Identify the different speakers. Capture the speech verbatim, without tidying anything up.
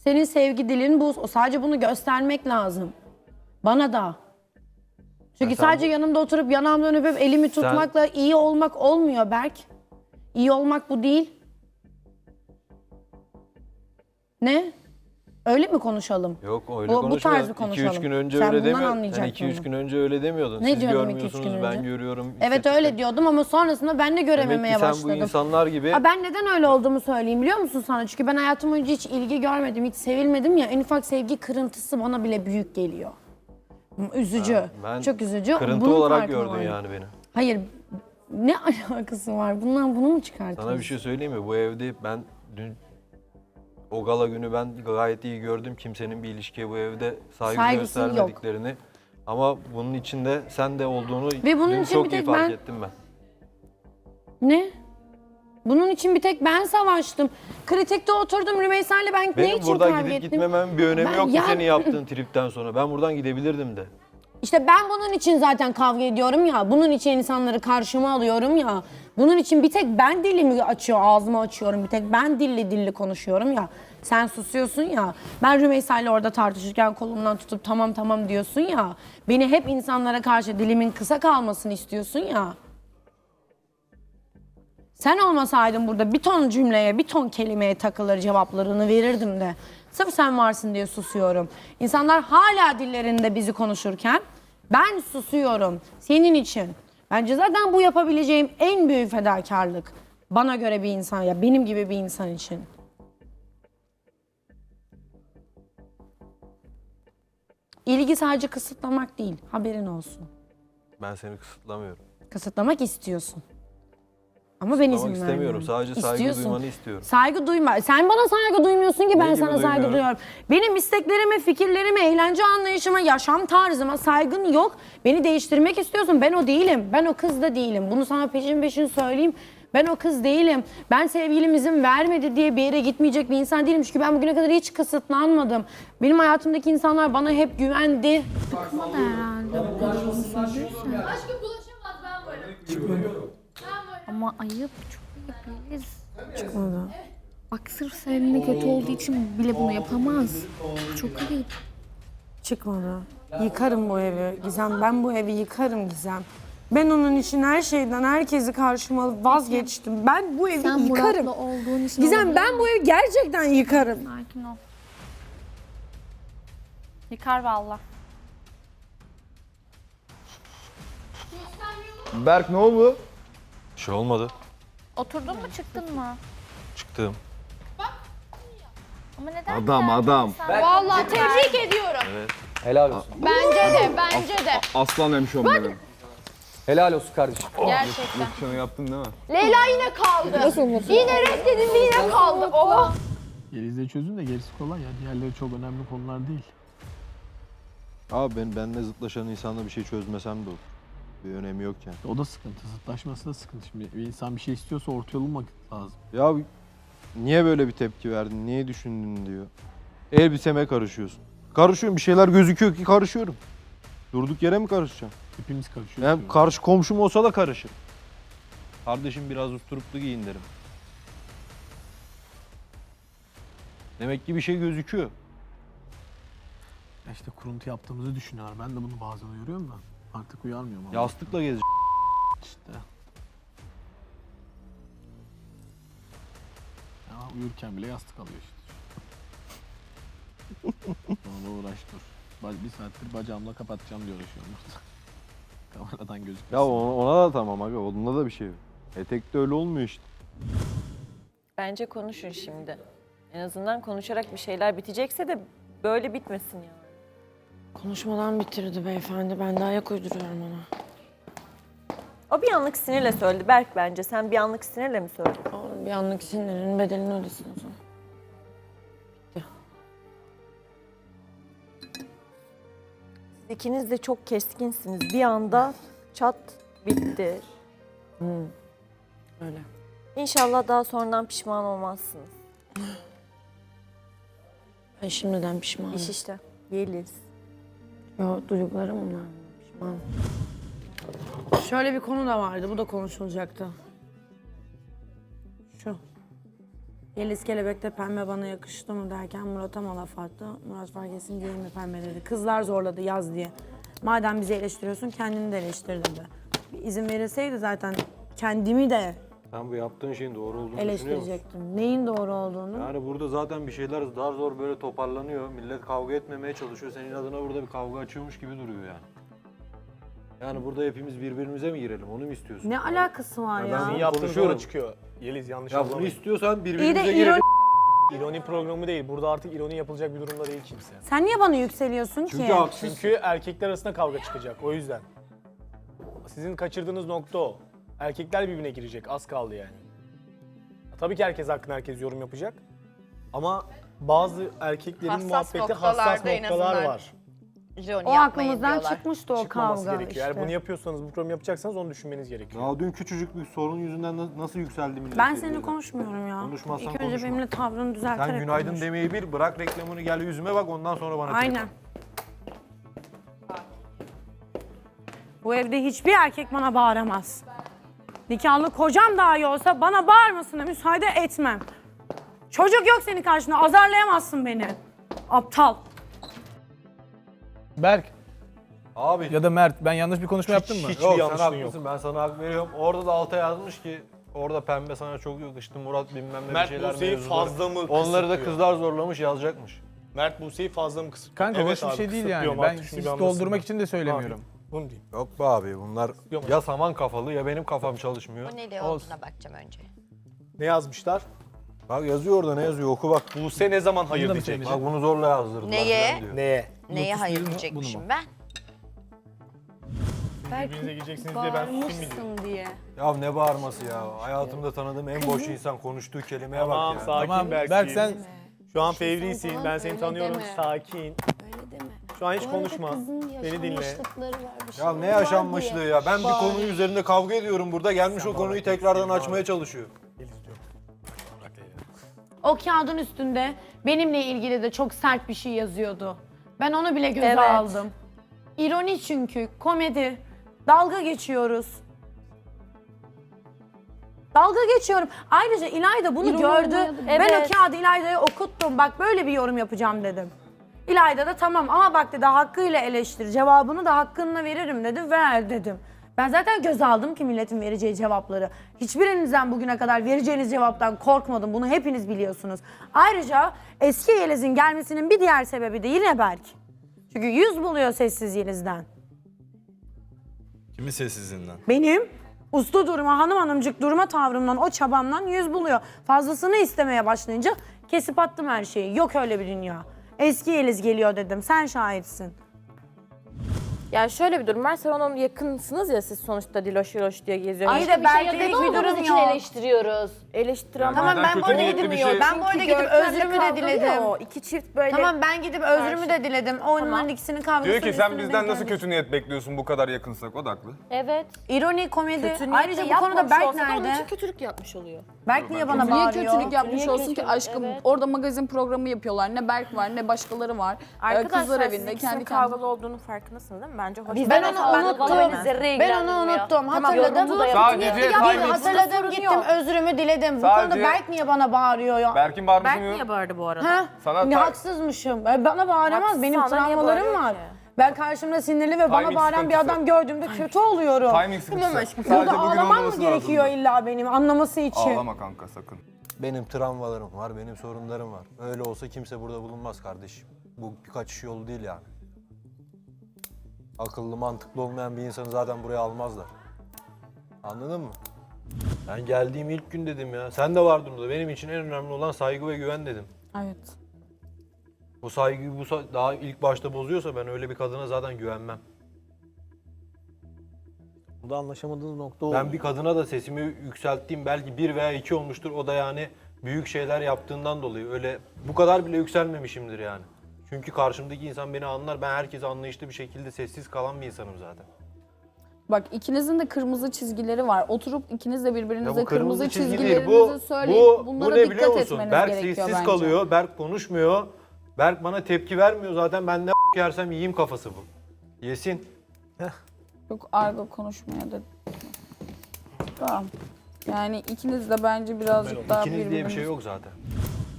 Speaker 1: Senin sevgi dilin bu. Sadece bunu göstermek lazım. Bana da. Çünkü
Speaker 2: Ya
Speaker 1: sadece
Speaker 2: bu...
Speaker 1: yanımda oturup yanağımdan öpüp elimi tutmakla sen... iyi olmak olmuyor Berk. İyi olmak bu değil. Ne? Öyle mi konuşalım?
Speaker 2: Yok öyle
Speaker 1: bu,
Speaker 2: konuşma.
Speaker 1: Bu tarz bir konuşalım.
Speaker 2: iki üç gün önce
Speaker 1: Sen
Speaker 2: öyle
Speaker 1: bundan
Speaker 2: demiyordun. Sen iki üç gün önce öyle demiyordun.
Speaker 1: Ne
Speaker 2: Siz
Speaker 1: diyordum iki üç
Speaker 2: görmüyorsunuz,
Speaker 1: gün önce?
Speaker 2: ben görüyorum.
Speaker 1: Evet
Speaker 2: İşte
Speaker 1: öyle diyordum ama sonrasında ben de görememeye
Speaker 2: Demek ki
Speaker 1: başladım.
Speaker 2: sen bu insanlar gibi...
Speaker 1: Ha, ben neden öyle olduğumu söyleyeyim biliyor musun sana? Çünkü ben hayatım boyunca hiç ilgi görmedim, hiç sevilmedim ya. En ufak sevgi kırıntısı bana bile büyük geliyor. Üzücü. Ha, ben çok üzücü.
Speaker 2: Kırıntı
Speaker 1: Bunun
Speaker 2: olarak gördün
Speaker 1: var.
Speaker 2: yani beni.
Speaker 1: Hayır. Ne alakası var? Bundan bunu mu çıkartıyorsun?
Speaker 2: Sana bir şey söyleyeyim mi? Bu evde ben dün o gala günü ben gayet iyi gördüm. Kimsenin bir ilişkiye bu evde saygı
Speaker 1: Saygısı
Speaker 2: göstermediklerini. Yok. Ama bunun içinde sen de olduğunu
Speaker 1: ve bunun
Speaker 2: dün
Speaker 1: için
Speaker 2: çok
Speaker 1: bir
Speaker 2: iyi
Speaker 1: tek
Speaker 2: fark
Speaker 1: ben...
Speaker 2: ettim ben.
Speaker 1: Ne? Bunun için bir tek ben savaştım. Kritikte oturdum Rümeysa'yla ben
Speaker 2: Benim
Speaker 1: ne için
Speaker 2: buradan
Speaker 1: kavga
Speaker 2: gidip
Speaker 1: ettim?
Speaker 2: gitmememin bir önemi
Speaker 1: Ben
Speaker 2: yok
Speaker 1: ya...
Speaker 2: ki senin yaptığın tripten sonra. Ben buradan gidebilirdim de.
Speaker 1: İşte ben bunun için zaten kavga ediyorum ya. Bunun için insanları karşıma alıyorum ya. Bunun için bir tek ben dilimi açıyor, ağzımı açıyorum. Bir tek ben dilli dilli konuşuyorum ya. Sen susuyorsun ya. Ben Rümeysa'yla orada tartışırken kolumdan tutup tamam tamam diyorsun ya. Beni hep insanlara karşı dilimin kısa kalmasını istiyorsun ya. Sen olmasaydın burada bir ton cümleye, bir ton kelimeye takılır cevaplarını verirdim de. Sırf sen varsın diye susuyorum. İnsanlar hala dillerinde bizi konuşurken ben susuyorum senin için. Bence zaten bu yapabileceğim en büyük fedakarlık. Bana göre bir insan ya benim gibi bir insan için. İlgi sadece kısıtlamak değil, haberin olsun.
Speaker 2: Ben seni kısıtlamıyorum.
Speaker 1: Kısıtlamak istiyorsun. Ama ben izin
Speaker 2: istemiyorum.
Speaker 1: vermiyorum.
Speaker 2: Sadece saygı
Speaker 1: İstiyorsun.
Speaker 2: duymanı istiyorum.
Speaker 1: Saygı duyma. Sen bana saygı duymuyorsun ki ben
Speaker 2: Ne
Speaker 1: sana
Speaker 2: gibi
Speaker 1: saygı
Speaker 2: duymuyorum?
Speaker 1: duyuyorum. Benim isteklerime, fikirlerime, eğlence anlayışıma, yaşam tarzıma saygın yok. Beni değiştirmek istiyorsun. Ben o değilim. Ben o kız da değilim. Bunu sana peşin peşin söyleyeyim. Ben o kız değilim. Ben sevgilim izin vermedi diye bir yere gitmeyecek bir insan değilim. Çünkü ben bugüne kadar hiç kısıtlanmadım. Benim hayatımdaki insanlar bana hep güvendi. Sıkmadı herhalde bu kadar uzun sürdüyse.
Speaker 3: Aşkım bulaşamaz ben varım.
Speaker 4: Ama ayıp, çok ayıp Yeliz.
Speaker 1: Çıkmadı.
Speaker 4: Bak sırf seninle kötü olduğu için bile bunu yapamaz. Çok ayıp.
Speaker 1: Çıkmadı. Yıkarım bu evi Gizem. Ben bu evi yıkarım Gizem. Ben onun için her şeyden, herkesi karşıma alıp vazgeçtim. Ben bu evi
Speaker 4: Sen
Speaker 1: yıkarım.
Speaker 4: Murat'la olduğun için
Speaker 1: Gizem
Speaker 4: olabilir
Speaker 1: ben
Speaker 4: mi?
Speaker 1: bu evi gerçekten yıkarım.
Speaker 4: Sakin ol. Yıkar valla.
Speaker 5: Berk ne oldu?
Speaker 2: Bir şey olmadı.
Speaker 4: Oturdun mu çıktın mı?
Speaker 2: Çıktım.
Speaker 4: Ama neden
Speaker 5: Adam,
Speaker 4: geldin
Speaker 5: adam.
Speaker 4: sen?
Speaker 3: Vallahi tebrik ediyorum.
Speaker 5: Helal olsun.
Speaker 3: Bence de, bence de.
Speaker 5: Aslan hemşom benim.
Speaker 6: Helal olsun kardeşim.
Speaker 3: Gerçekten.
Speaker 5: Şunu yaptın değil mi?
Speaker 3: Leyla yine kaldı. Yine reddedildi, yine kaldı. Oh.
Speaker 7: Yeliz'de çözün de gerisi kolay ya. Diğerleri çok önemli konular değil.
Speaker 2: Abi ben benimle zıtlaşan insanla bir şey çözmesem de olur. Bir önemi yok yani.
Speaker 7: O da sıkıntı. Zıtlaşması da sıkıntı. Şimdi bir insan bir şey istiyorsa orta yol bulmak lazım.
Speaker 2: Ya niye böyle bir tepki verdin, niye düşündün diyor. Elbiseme karışıyorsun. Karışıyorum, bir şeyler gözüküyor ki karışıyorum. Durduk yere mi karışacağım?
Speaker 7: Hepimiz karışıyoruz.
Speaker 2: Hem karşı komşum olsa da karışır. Kardeşim biraz usturuplu giyin derim. Demek ki bir şey gözüküyor.
Speaker 7: Ya İşte kuruntu yaptığımızı düşünüyorlar. Ben de bunu bazen uyarıyorum da artık uyarmıyorum. ama.
Speaker 2: Yastıkla gez.
Speaker 7: İşte. Ya uyurken bile yastık alıyor işte. Sonra uğraş dur. Ba- Bir saattir bacağımla kapatacağım diye uğraşıyorum. Kameradan gözükmesin.
Speaker 2: Ya ona, ona da tamam abi, onda da bir şey yok. Etekte öyle olmuyor işte.
Speaker 8: Bence konuşun şimdi. En azından konuşarak bir şeyler bitecekse de böyle bitmesin yani.
Speaker 1: Konuşmadan bitirdi beyefendi. Ben de ayak uyduruyorum ona.
Speaker 8: O bir anlık sinirle söyledi. Berk bence. Sen bir anlık sinirle mi söyledin?
Speaker 1: Bir anlık sinirinin bedelini ödesin o zaman.
Speaker 8: Siz ikiniz de çok keskinsiniz. Bir anda çat bitti.
Speaker 1: Öyle.
Speaker 8: İnşallah daha sonradan pişman olmazsınız.
Speaker 1: Ben şimdiden pişmanım.
Speaker 8: İş işte. Yeliz.
Speaker 1: Yo, duygularım bunlar. Pişmanım. Şöyle bir konu da vardı. Bu da konuşulacaktı. Şu. Yeliz Kelebek'te pembe bana yakıştı mı derken Murat'a mı laf attı? Murat fark etsin değil mi pembe dedi. Kızlar zorladı yaz diye. Madem bizi eleştiriyorsun kendini de eleştir dedi. Bir izin verilseydi zaten kendimi de
Speaker 2: Sen bu yaptığın şeyin doğru olduğunu düşünüyor musun?
Speaker 1: eleştirecektim. Neyin doğru olduğunu.
Speaker 2: Yani burada zaten bir şeyler daha zor böyle toparlanıyor. Millet kavga etmemeye çalışıyor. Senin adına burada bir kavga açıyormuş gibi duruyor yani. Yani burada hepimiz birbirimize mi girelim? Onu mu istiyorsun?
Speaker 1: Ne alakası var
Speaker 2: Ya
Speaker 1: ya?
Speaker 2: ben
Speaker 7: Sizin
Speaker 2: bunu
Speaker 7: yaptığınız
Speaker 2: konuşuyorum.
Speaker 7: yola çıkıyor. Yeliz yanlış
Speaker 2: Ya bunu
Speaker 7: anlamayın.
Speaker 2: istiyorsan
Speaker 1: İyi
Speaker 2: birbirimize
Speaker 1: de
Speaker 2: girelim.
Speaker 1: ironi...
Speaker 7: İroni programı değil. Burada artık ironi yapılacak bir durumda değil kimse.
Speaker 1: Sen niye bana yükseliyorsun
Speaker 2: Çünkü
Speaker 1: ki?
Speaker 2: haksız.
Speaker 7: Çünkü erkekler arasında kavga çıkacak. O yüzden. Sizin kaçırdığınız nokta o. Erkekler birbirine girecek. Az kaldı yani. Tabii ki herkes hakkında herkes yorum yapacak. Ama bazı erkeklerin
Speaker 3: Hassas
Speaker 7: muhabbeti
Speaker 3: noktalarda
Speaker 7: hassas
Speaker 3: en
Speaker 7: noktalar
Speaker 3: azından
Speaker 7: var.
Speaker 3: İroni
Speaker 1: O
Speaker 3: yapmayın
Speaker 1: aklımızdan
Speaker 3: diyorlar.
Speaker 1: çıkmıştı o
Speaker 7: Çıkmaması
Speaker 1: kavga
Speaker 7: gerekiyor.
Speaker 1: işte.
Speaker 7: Eğer bunu yapıyorsanız, bu programı yapacaksanız onu düşünmeniz gerekiyor.
Speaker 2: Ya dün küçücük bir sorun yüzünden na- nasıl yükseldi millet?
Speaker 1: Ben
Speaker 2: birbirine?
Speaker 1: seninle konuşmuyorum ya.
Speaker 2: Konuşmazsan
Speaker 1: İlk önce
Speaker 2: konuşma.
Speaker 1: benimle tavrını düzelterek
Speaker 2: Sen günaydın
Speaker 1: konuş.
Speaker 2: demeyi bil, bırak reklamını gel yüzüme bak ondan sonra bana
Speaker 1: Aynen.
Speaker 2: trip at.
Speaker 1: Bu evde hiçbir erkek bana bağıramaz. Nikahlı kocam dahi olsa bana bağırmasına müsaade etmem. Çocuk yok senin karşında, azarlayamazsın beni. Aptal.
Speaker 9: Berk
Speaker 2: Abi
Speaker 9: ya da Mert, ben yanlış bir konuşma yaptım mı?
Speaker 7: hiç-
Speaker 2: yok sen
Speaker 7: yanlışlığın
Speaker 2: haklısın ben sana hak veriyorum. Orada da alta yazmış ki orada pembe sana çok yakıştı Murat bilmem ne bir
Speaker 7: Mert
Speaker 2: şeyler
Speaker 7: Buse'yi
Speaker 2: mevzuları.
Speaker 7: fazla mı
Speaker 2: Onları da
Speaker 7: kısıtlıyor?
Speaker 2: kızlar zorlamış yazacakmış.
Speaker 7: Mert Buse'yi fazla mı kısıtlıyor?
Speaker 9: Kanka
Speaker 7: Evet
Speaker 9: hoş bir
Speaker 7: abi,
Speaker 9: şey değil yani.
Speaker 7: kısıtlıyorum
Speaker 9: Ben
Speaker 7: artık, şunu
Speaker 9: hiç
Speaker 7: bir anlasınlar.
Speaker 9: doldurmak için de söylemiyorum.
Speaker 7: Abi, bunu diyeyim.
Speaker 2: Yok be abi bunlar
Speaker 7: Yok.
Speaker 2: ya saman kafalı ya benim kafam çalışmıyor.
Speaker 3: Bu ne
Speaker 9: Olsun.
Speaker 3: olduğuna bakacağım önce.
Speaker 7: Ne yazmışlar?
Speaker 2: Bak yazıyor orada ne yazıyor oku bak.
Speaker 7: Buse ne zaman hayır
Speaker 9: da mı
Speaker 7: diyecek?
Speaker 9: söyleyecek?
Speaker 2: Bak bunu zorla yazdırdılar
Speaker 3: Neye?
Speaker 2: falan diyor.
Speaker 7: Neye?
Speaker 3: Neye
Speaker 9: Lotus
Speaker 3: hayır
Speaker 9: Blue'nu-
Speaker 3: diyecekmişim
Speaker 9: bunu
Speaker 3: ben?
Speaker 7: Birbirinize gireceksiniz diye ben susayım mı diyorum?
Speaker 1: diye.
Speaker 2: Ya ne bağırması ya. Hayatımda tanıdığım en boş insan konuştuğu kelimeye
Speaker 7: Tamam
Speaker 2: bak ya.
Speaker 7: sakin
Speaker 9: Tamam
Speaker 7: Berk'ciğim.
Speaker 9: Berk sen
Speaker 7: Şu an fevrisin, ben seni
Speaker 4: öyle
Speaker 7: tanıyorum,
Speaker 4: deme.
Speaker 7: sakin.
Speaker 4: Öyle deme.
Speaker 7: Şu an hiç konuşma, beni dinle.
Speaker 2: Ya ne yaşanmışlığı ya. Ben bir konu üzerinde kavga ediyorum burada. Gelmiş o konuyu tekrardan açmaya çalışıyor.
Speaker 1: O kağıdın üstünde benimle ilgili de çok sert bir şey yazıyordu. Ben onu bile göze
Speaker 8: Evet.
Speaker 1: aldım. İroni çünkü, komedi. Dalga geçiyoruz. Dalga geçiyorum. Ayrıca İlayda bunu
Speaker 4: İroni
Speaker 1: gördü.
Speaker 4: olmayadı.
Speaker 1: Ben o
Speaker 8: Evet.
Speaker 1: kağıdı İlayda'ya okuttum. Bak böyle bir yorum yapacağım dedim. İlayda da tamam ama bak dedi hakkıyla eleştir. Cevabını da hakkınla veririm dedi. Ver dedim. Ben zaten göze aldım ki milletin vereceği cevapları. Hiçbirinizden bugüne kadar vereceğiniz cevaptan korkmadım. Bunu hepiniz biliyorsunuz. Ayrıca eski Yeliz'in gelmesinin bir diğer sebebi de yine Berk. Çünkü yüz buluyor sessiz Yeliz'den.
Speaker 10: Kimin sessizliğinden?
Speaker 1: Benim uslu duruma, hanım hanımcık durma tavrımdan, o çabamdan yüz buluyor. Fazlasını istemeye başlayınca kesip attım her şeyi. Yok öyle bir dünya. Eski Yeliz geliyor dedim. Sen şahitsin.
Speaker 8: Yani şöyle bir durum var. Sen onun yakınsınız ya siz sonuçta Diloş Diloş diye geziyor.
Speaker 1: Ay da Berk'lik bir durum yok.
Speaker 4: eleştiriyoruz.
Speaker 8: Eleştiren
Speaker 1: Tamam ben bu arada
Speaker 10: niyetli
Speaker 1: gidip
Speaker 10: bir şey-
Speaker 1: ben bu arada gidip özrümü de diledim.
Speaker 8: O iki çift böyle.
Speaker 1: Tamam ben gidip özrümü de diledim. Onların
Speaker 8: Tamam.
Speaker 1: ikisinin kavgasının
Speaker 5: Diyor ki sen
Speaker 1: üstüne
Speaker 5: bizden
Speaker 1: denk
Speaker 5: nasıl
Speaker 1: gelmiş.
Speaker 5: kötü niyet bekliyorsun bu kadar yakınsak? O da haklı.
Speaker 8: Evet.
Speaker 1: İroni, komedi.
Speaker 8: Kötü niyetle
Speaker 1: Ayrıca bu konuda
Speaker 8: yapmamış
Speaker 1: Berk
Speaker 8: olsa da onun
Speaker 1: nerede?
Speaker 8: için kötülük yapmış oluyor.
Speaker 1: Berk niye bana
Speaker 4: Niye
Speaker 1: bağırıyor?
Speaker 4: kötülük yapmış
Speaker 8: Niye
Speaker 4: olsun ki
Speaker 8: kötülük?
Speaker 4: aşkım?
Speaker 8: Evet.
Speaker 4: Orada magazin programı yapıyorlar. Ne Berk var ne başkaları var. Ee,
Speaker 8: Arkadaşlar
Speaker 4: Kızlar
Speaker 8: siz
Speaker 4: evinde
Speaker 8: ikisinin
Speaker 4: kendi
Speaker 8: kavgalı
Speaker 4: kendine.
Speaker 8: olduğunun farkındasınız değil mi? Bence hoş.
Speaker 1: Ben onu unuttum. Ben onu unuttum. Hatırladım.
Speaker 5: Sadece
Speaker 1: Gittim,
Speaker 5: timing-
Speaker 1: hatırladım gittim özrümü diledim. Bu
Speaker 5: Sadece-
Speaker 1: konuda Berk niye bana bağırıyor ya?
Speaker 5: Berk'in bağırması
Speaker 8: Berk niye
Speaker 5: mı?
Speaker 8: bağırdı bu arada?
Speaker 1: Ha?
Speaker 5: Sana
Speaker 1: Ne
Speaker 5: ta-
Speaker 1: haksızmışım. E, Bana bağıramaz.
Speaker 8: Haksız,
Speaker 1: Benim
Speaker 8: sana niye
Speaker 1: travmalarım
Speaker 8: bağırıyor
Speaker 1: var.
Speaker 8: ki?
Speaker 1: Ben karşımda sinirli ve bana
Speaker 5: Timing
Speaker 1: bağıran bir
Speaker 5: sıkıntısı.
Speaker 1: adam gördüğümde kötü oluyorum.
Speaker 5: Timing sıkıntısı.
Speaker 1: Burada
Speaker 5: Sadece bugün
Speaker 1: ağlamam mı
Speaker 5: olmaması
Speaker 1: gerekiyor
Speaker 5: lazım.
Speaker 1: illa benim anlaması için?
Speaker 5: Ağlama kanka sakın.
Speaker 2: Benim travmalarım var, benim sorunlarım var. Öyle olsa kimse burada bulunmaz kardeşim. Bu bir kaçış yolu değil yani. Akıllı, mantıklı olmayan bir insanı zaten buraya almazlar. Anladın mı? Ben geldiğim ilk gün dedim ya. Sen de vardın burada. Benim için en önemli olan saygı ve güven dedim.
Speaker 1: Evet.
Speaker 2: Bu saygıyı bu sa- daha ilk başta bozuyorsa ben öyle bir kadına zaten güvenmem.
Speaker 7: Burada anlaşamadığınız nokta o.
Speaker 2: Ben bir kadına da sesimi yükselttiğim belki bir veya iki olmuştur. O da yani büyük şeyler yaptığından dolayı. Öyle bu kadar bile yükselmemişimdir yani. Çünkü karşımdaki insan beni anlar. Ben herkese anlayışlı bir şekilde sessiz kalan bir insanım zaten.
Speaker 4: Bak ikinizin de kırmızı çizgileri var. Oturup ikiniz de
Speaker 2: Ya
Speaker 4: birbirinize
Speaker 2: bu
Speaker 4: kırmızı,
Speaker 2: çizgi değil.
Speaker 4: çizgilerinizi
Speaker 2: Bu,
Speaker 4: söyleyip
Speaker 2: bu,
Speaker 4: bunlara
Speaker 2: bu ne biliyor
Speaker 4: dikkat
Speaker 2: musun?
Speaker 4: etmeniz
Speaker 2: Berk
Speaker 4: gerekiyor
Speaker 2: sessiz
Speaker 4: bence.
Speaker 2: kalıyor. Berk konuşmuyor. Berk bana tepki vermiyor zaten. Ben ne yersem yiyeyim kafası bu. Yesin.
Speaker 4: Çok argo konuşmaya da. Tamam.
Speaker 10: Yani ikiniz de bence birazcık daha
Speaker 2: İkiniz diye bir
Speaker 10: birbiriniz...
Speaker 2: şey yok zaten.